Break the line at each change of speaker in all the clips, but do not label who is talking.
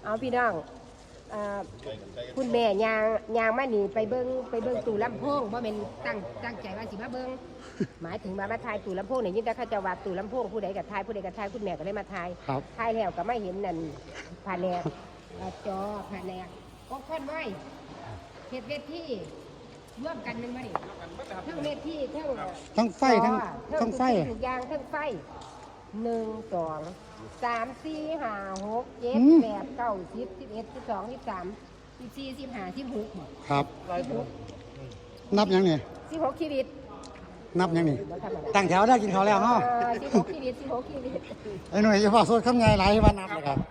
เอาพี่น้องคุณแม่ยางมาหนีไปเบิ้งตู้ลำโพงว่าเป็นตั้งใจว่าสิมาเบิ้งหมายถึงมาถ่ายตู้ลำโพงเนี่ยยิ่งแต่เขาจะวาดตู้ลำโพงผู้ใดกับถ่ายคุณแม่ก็ได้มาถ่ายถ่ายแล้วก็ไม่เห็นนั่นผ่านแนวจอผ่านแนวก็ค่อนไว้เหตุเวทีร่วมกันหนึ่งมาดิทั้งเวทีทั้ง
ไฟทั้งไฟ
ทุกอย่างทั้งไฟ1 2 3 4 5 6 7 8 9 10 11 12 13 14 15 16
ครับนับยังเนี่ย
16ชีวิต
นับยังนี่ตั้งแถวได้กินข้าวแล้วเนาะ
16ชีวิต
ไอ้หน่วยจะพอสดคำไงหลายวันนับเลยครับ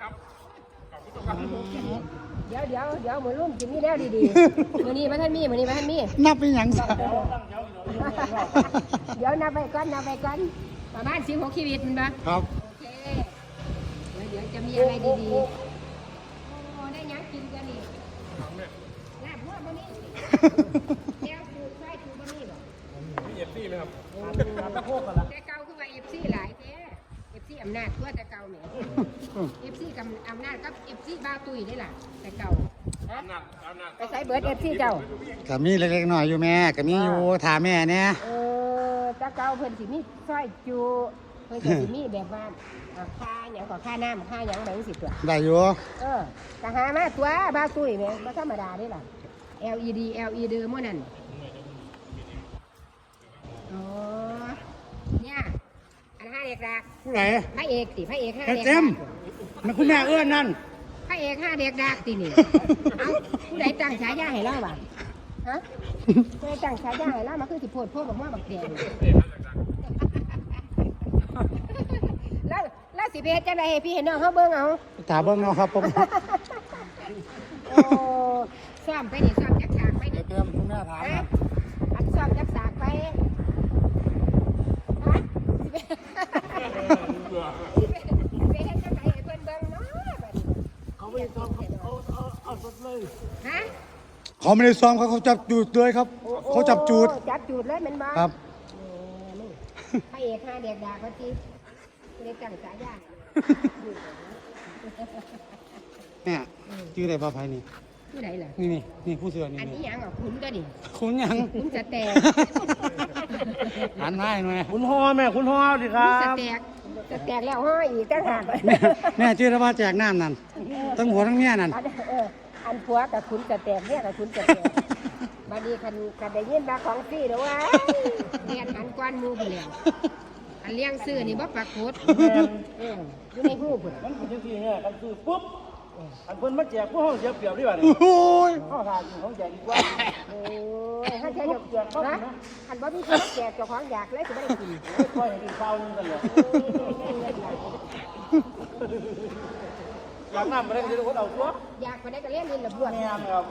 เดี๋ยวมือรุ่มกินนี่แล้วดีๆมือนี้มาท่านมี
นับเป็นอย่างไร
เดี๋ยวนับไปก่อนประมาณ16ชีวิตมันปะ
ครับ
โอเคเดี๋ยวจะมีอะไรดีๆโอ้ได้ยังกินกันนี่ลาบหัวบะหมี่แก้วปูไส้ปูบะหมี่บ่
มีเอฟซีไหมครับ
แต่เก่าคือว่าเอฟซีหลายแท้เอฟซีอำนาจตัวแต่เก่าเนี่ยเอฟซีกับอำนาจกับเอฟซีบ้าตุยได้ล่ะแต่เก่าไปใส่เบิร์ดเอฟซีเจ้า
ก็มีเล็กๆหน่อยอยู่แม่ก็มีอยู่ถามแม่เนี่ย
แต่เก่าเพิ่นสิมีซอยจูเพิ่นสิมีแบบว่าค่าอย่างก็ค่าน้ำค่าอย่างแบบนี้สิตัว
ได้อยู่
ก็หามาตัวบ้าตุยเนี่ยบ่ธรรมดาได้ล่ะ LED มื้อนั้นอ๋อเนี่ยอัน5เด็กดัก
ผู้ไหน
พระเอก5เด็ก
เต็มมันคุณแม่เอื้อนนั่น
พระเอก5เด็กดักตินี่เอ้าผู้ใดตั้งฉายาให้เราบ่ฮะผู้ใดตั้งฉายาให้เรามาคือสิโพดพวกบักม่วงบักแดงแล้วสิเพชรจังได๋ให้พี่เห็นน้องเฮาเบิ่งเอา
ถามเบิ่งเนาะครับผม
โอ้ซ้อมไปนี่ซ้อมจักฉากไปนี่
เติมคุณแม่ถามครับ
อันซ้อมจักฉากไปฮะไปเฮ็ดจังได๋ให้เพิ่นเบิ่งเนาะบัดนี้
เขาไม่ได้ซ้อมเอาสดเลย
ฮะ
เขาไม่ได้ซ้อมเขาจับจูดเลยครับเขาจับจูด
เลยแม่นบ่
ครับ
นี่พระเอก5เด็กดาเขาจิได้ตั้งฉายา
เนี่ยชื่ออะไรป้าไพนี่
ผู้ใดล่ะ
นี่ผู้เสือนี่
อันนี้ยังขุนก็ดิ
ขุนยัง
ขุนสแตก
หันให้หน่อย
คุณพ่อแม่คุณพ่อดิครับ
สแตกแล้วห้อยอีกตั้งหาก
แม่ชื่อว่าแจกน้ำนั่นทั้งหัวทั้งเมียนั่น
อันผัวกับขุนสแตกเนี่ยกับขุนสแตกบัดนี้คันได้ยินมาของฟรีเด้อว่าเรียนหันกวนมูไปแล้วอันเลี้ยงซื้อนี่บ่ปรากฏอยู่ในหูพุ่น
มันเป็นจังซี่เนี่ยกันซื้อปุ๊บอันเพิ่นมาแจกผู้ห้องเสียเปรียบดีกว่านี่
โอ้ย
เฮาหาอยู่ของแจกดีกว่า
โอ้ยถ้าแจกนะอันบ่มีคนแจกเจ้าของอยากเลยสิบ่ได้กิน
ค่อยให้กินข้าวนึงกันเลยอยากน้ำมาได้ก็จะคนเอาตัว
อยากไปได้ก็เลี้ยงนินละบวช
แม่นครับ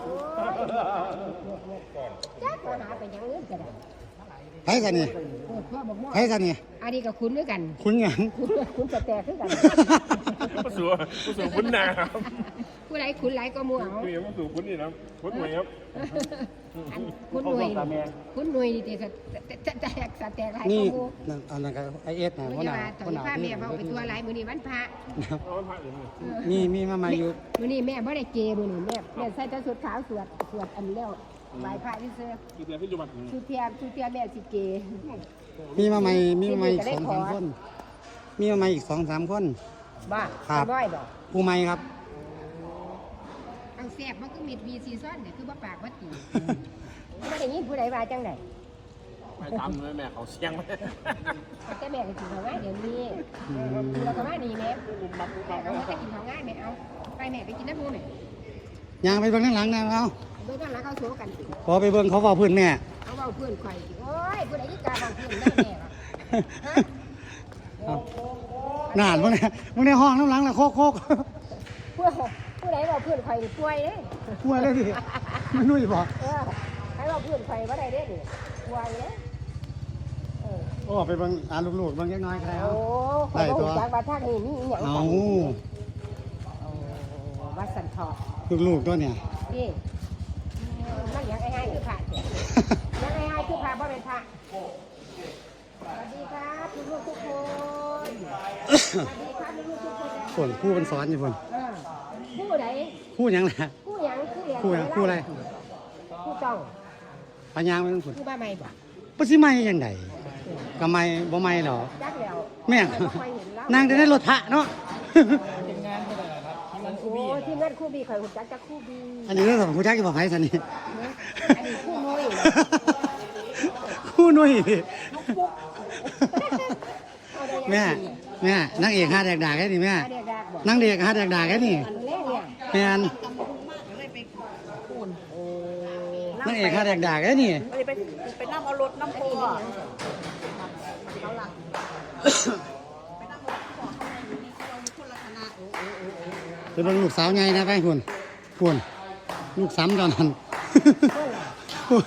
จักหาไปยังเงินก็ได้
ไผกันนี่ไผกันนี่
อันนี้ก็คุ้นด้วยกัน
คุ้นหยัง
คุ้นสแตกด้วยกัน
ผู้สูงคุ้นหนาครับ
ผู้ใดคุ้นหลายก็มัวเอา
คือผู้สูงคุ้นนี่นะคุ้นหน่วยครับ
คุ้นหน่วยนี่แต่สแตกหลายก็มัว
อันนั้นก็ไอเอสนะ
ว่าตอนนี้พาแม่เฝ้าไปทัวร์หลายมื้อนี้วันพระ
มีมาใหม่อยู่
มื้อนี้แม่บ่ได้เกมื้อนี้แม่ใส่แต่ชุดขาวสวดอันแล้วไหว้พระที่เสื้อชุดเทียแม่สิเก
มีมาใหม่2-3คนมีมาใหม่อีก2-3คน
บ้า
ครับผู้ใหม่ครับ
เอาแซ่บมันก็มีวีซีซั่นเนี่ยคือบ่ปากบ่ตีไม่ได้ยินผู้ใดว่าจังได๋
ไปทำเลยแม่เขาเสียง
แต่แม่ก็กินข้าวง่ายเดี๋ยวนี้เราก็มาดีแม่เราก็จะกินข้าวง่ายแม่เอาไปแม่ไปกินน้ำมูแม่
ย่างไปเบิ่งข้างหลังนะเอา
เบิ่งข้างหลังเขาโซกัน
พอไปเบิ่งเขาเว้าพื้นแม่
เขาเว้าพื้นข่อยโอ้ยผู้ใดที่กล้าเว้าพื้นได้แม่ฮะ
นานมึงในห้องน้ำหลังน่ะโคก
ผู้ใดเว้าพื้นข่อยนี่ป่วยเด้
ป่วยเลยดิมันนุ่ยบ่
ให้เว้าพื้นข่อยบ่ได้เด้นี่ป่วยเด้
โอ้ไปเบิ่งลูกๆเบิ่งจักหน่อยก็ได้
เอาได้ตัวจากว่าทางนี้มีอีหยังกันวัดสันทอ
ลูกตัวเนี่ย
นี่มันอยากให้คือพระอยากให้คือพระบ่เป็นพระสวัสดีครับลูกทุกคนสวัสดีครับลูกทุกคน
ผู้เป็นสอนอยู่พุ่น
ผู้คู่ใด
คู่หยังล่ะ
คู่หยังคู่เรียน
คู่หยังคู่อะไร
คู่ต้อง
ปัญญางไม่ต้องพูด
คู่บ้าไม่บ่
บ่สิไม่ยังไงก็ไม่บ่ไม่หรอก
จักแล้ว
แม่
บ่ค่อยเห็นแล้ว
นางจะได้รถพระเนาะ
เป็นงานก็ได้ครับที่มันคู่
โอ้
บี้
ที่นั่นคู่บีข่อยหุ่นจักคู่บี
อันนี้เรื่องของผู้จักจะบอกให้สันนี่
อันนี้คู่น้อย
คู่หนุ่ย
เอาได้ยัง
แม่แม่นางเอกหาแดกดาแค่นี้แม่
เรียกดากบ่
นางเอกหาแดกดาแค่นี้
อันแรกเนี่ย
แม่น
โอ้
นางเอกหาแดกดาแค่นี้
ไปนั่งเอารถน้ำโพอ่ะ
เป็นเบิ่งลูกสาวใหญ่นะไปคุณคุณลูกซ้ำตอนนั้นคุณ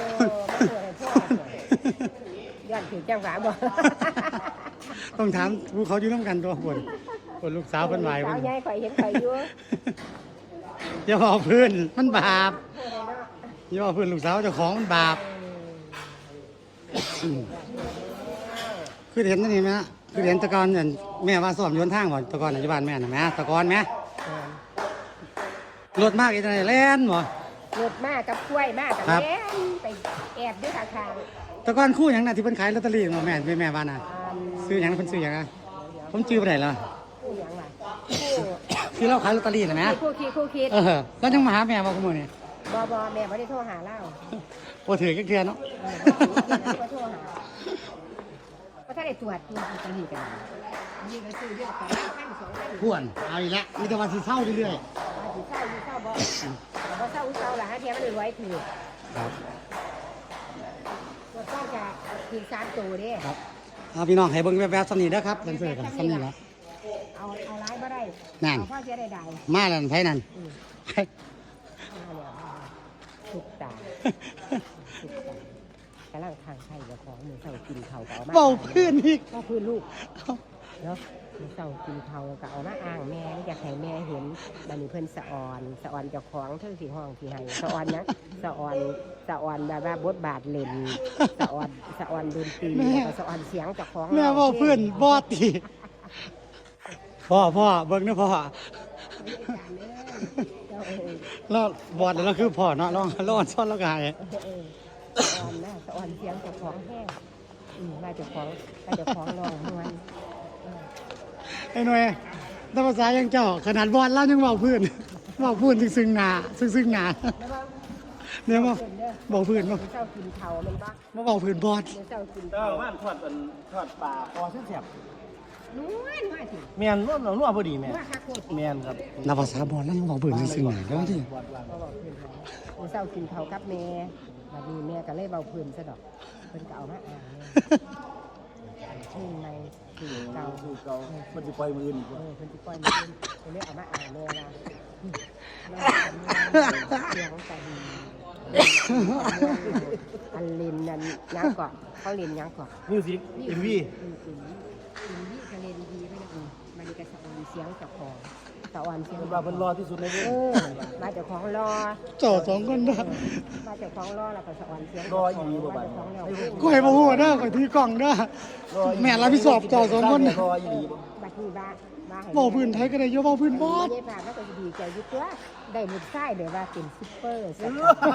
ย้อนถึงจังหวะบ่
ต้องถามผู้เขาอยู่น้ำกันตัวคุณคุณลูกสาวเป็นไหว
สา
คุ
ว
ณ
ใหญ่ข่อยเห็นข่อยอยู่
อย่าบอกเพื่อนมันบาปอย่าบอกเพื่อนลูกสาวเจ้าของมันบาปคือเห็นนั่นนี่ไหมฮะคือเห็นตะกอนเนี่ยแม่ว่าสอบโยนทางบ่ตะกอนอยู่บ้านแม่น่ะแม่ตะกอนไหมรถมากอีกไหนแล่นบ่
หลุดมากกับกล้วยมากกับ
ครับ
แม่ไปแอบด้วยข้าง
ตะกอนคู่หยังน่ะที่เพิ่นขายลอตเตอรี่บ่แม่บ้านน่ะ
ๆ
ซื้อหยังเพิ่นซื้อหยังอะผมจื้อบ่ได้เหรอ
คู่หยังล่ะ
คือเราขายลอตเตอรี่น่ะแม่
คู่คิด
แล้วยังมาหาแม่บ่คุมื้อนี้
บ่แม่บ่ได้โทรหาเล่า
บ่ถือจักเทื่อเนาะ
บ่โทรหาบ่ทันได้ตรวจลอตเตอรี่กันนี่ก็ซื้อเยอะไป1,000 2,000
พวนเอาอีกแล้วมีแต่ว่าสิเศร้าเรื่อย
สิเศร้าอยู่เศร้าบ่บ่เศร้าเศร้าล่ะฮะเทียมันรวยถือ
ๆครับ
ตัวต้องจะถึง3ตัวเด้
ครับเอาพี่น้องให้เบิ่งแวบๆสำนี้เด้อครับเพิ่นซื้อกันสำนี้ละ
เอาร้ายบ่ได้
นั่น
เอาพ่อเสียได้
มาแล้วไผนั่น
ทุกตา กำลังทางไข่กับของมือเสากินเขาก็เอามา
เบาเพื่อนอีก
ก็คือลูกเนาะมือเสากินเขาก็เอามาอ้างแม่อยากให้แม่เห็นบัดนี้เพิ่นสะออนเจ้าของเท่าสีห้องสีให้สะออนนะสะออนแบบว่าบทบาทเล่นสะออนดนตรีแล้วก็สะออนเสียงเจ้าของ
แม่เบาเพื่อนบอดตีพ่อเบิ่งเด้อพ่อแล้วบอดแล้วคือพ่อเนาะร้อนซ้อนแล้วก็หาย
สะออนนะสะออนเสียงเจ้าของแห้งมาเจ้าของร้องม่วน
ไอ้หน่วยแต่ภาษายังเจ้าขนาดบอดแล้วยังเบาเพื่อนซึ่งหน้าซึ่งหน้า
แล้วว่า
เนี่ยบ่เบาเพื่อนบ่
มือเสากินเขาแมันบ่
มาเบาเพื่อนบอด
มือเสากิน
เจ้า
เขา
บ้านทอดปลาคอเสียบ
นู้นว่าสิ
แม่นร่วมเราร่วมพอดีแม่
ว่าคักโคตร
แม่นครับ
นับภาษาบอลแล้วยังบอกเบื่อซึ่งหนาแล้วที่
บอดวาง
เขาบอกเพื่อนเขามือเศร้ากินเขากับแม่บัดนี้แม่ก็เลยเบาเพื่อนซะดอกเพิ่นก็เอามาอ่านแม่ชื่อในสื่อเก่า
คือเก่ามันสิปล่อยมืออื่นอีก
เอ
ว่า
อเพิ่นสิปล่อยมือเพิ่นเลยเอามาอ่านแม่ละเสียงกันอันลินนั่นยังเกาะเขาลินยังเกาะ
มิวสิกอินวี
อินนี่ก็ลินดีไปนะมันก็สะออนเสียงเจ้าของสะออนเสียง
เป็นว่าเพิ่นรอที่สุดในเรื่อง
มาจากของรอ
เจ้าสองคนนะ
มาจากของรอแล้วก็สะออนเสียง
รออีหลีบ่บาด
ของแล้ว
กูให้มาหัวเด้อคอยถือกล่องเด้อแม่รับผิดชอบเจ้าสองคน
รออีหลีบ่
บัดนี้บ้าให้
บอกพื้นไทยก็ได้ยกบอกพื้นบอด
ได้ผ่านแล้วก็ดีใจอยู่ตัวได้หมดไส้เดี๋ยวว่าเป็นซุปเปอร์สัก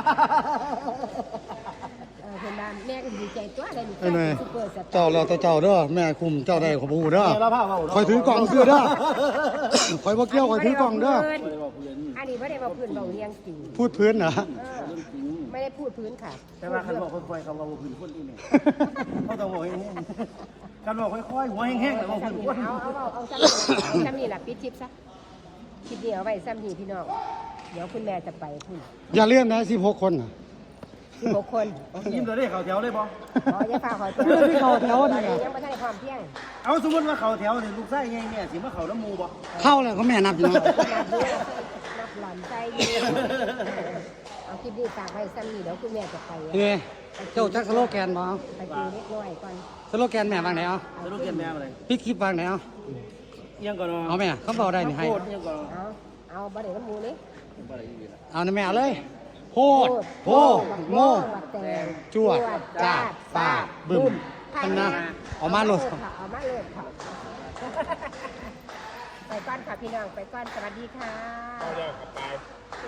เพิ่นว่าแม่ก็ดีใจตัวได้หมดไส้เป็นซุปเปอร์สัก
เจ้าแล้วแต่เจ้าเด้อแม่คุมเจ้าได้ขอบูเด้อ
แม่เราพาเว้า
คอยถือกล่องเสื้อเด้อคอยบ่เกี่ยวคอยถือกล่องเด้อ
อันนี้ไม่ได้มาพื้นเบาเรียงจริง
พูดพื้นเหรอ
ไม่ได้พูดพื้นค่ะ
แต่ว่าคันบอกค่อยๆคำว่าบ่พื้นคนอีแม่เขาต้องบอกแห้งๆคันบอกค่อยๆหัวแห้งๆแล้วบ่พื้นคน
เอาซ้ำนี่แหละปิดชิปซะคิดเดียวเอาไว้ซ้ำนี่พี่น้องเดี๋ยวคุณแม่จะไปคุณ
อย่าเลื่อนนะ16 คนน่ะ
16 คน
ยิ้มตัวได้เข้าแถวเลยบ่
อ๋ออย่าฝากขอ
เลื่อนที่เขาแถว
ตอน
นี่
นี้
น่ะ
ยังไม่ทันได้ความเพียง
เอาสมมุติว่าเข้าแถวนี่ลูกชายใหญ่แม่สิมาเข้าน้ำหมู่บ่
เข้าแล้วเขาแม่นับอยู่นะ
นับหลอนใจอยู่เอาคลิปนี้ฝากไว้ซ้ำนี่เดี๋ยวคุณแม่จะไป
เอ้ยเจ้าจักสโลแกนบ่เอา
ไปดูเล็กน้อยก่อน
สโลแกนแม่วางไหนเอา
จะรู้เกียนแม่อะไร
ปิดคลิปวางไหนเอา
เอียงก่อนเนาะ
เอาแม่เขาบอกได้นี่ให้
โคตรเอียงก่อน
เอาบ่ได้น้ำมูนี่
เอานะแม่เอาเลยโพดโพโง่ จวดจ้าดฟาดบึ้มพันนะเอามาโหลด
เอามาโหลดค่ะไปก้อนค่ะพี่น้องไปก้อนสวัสดีค่ะ
เอาเดี๋ยวกลับไป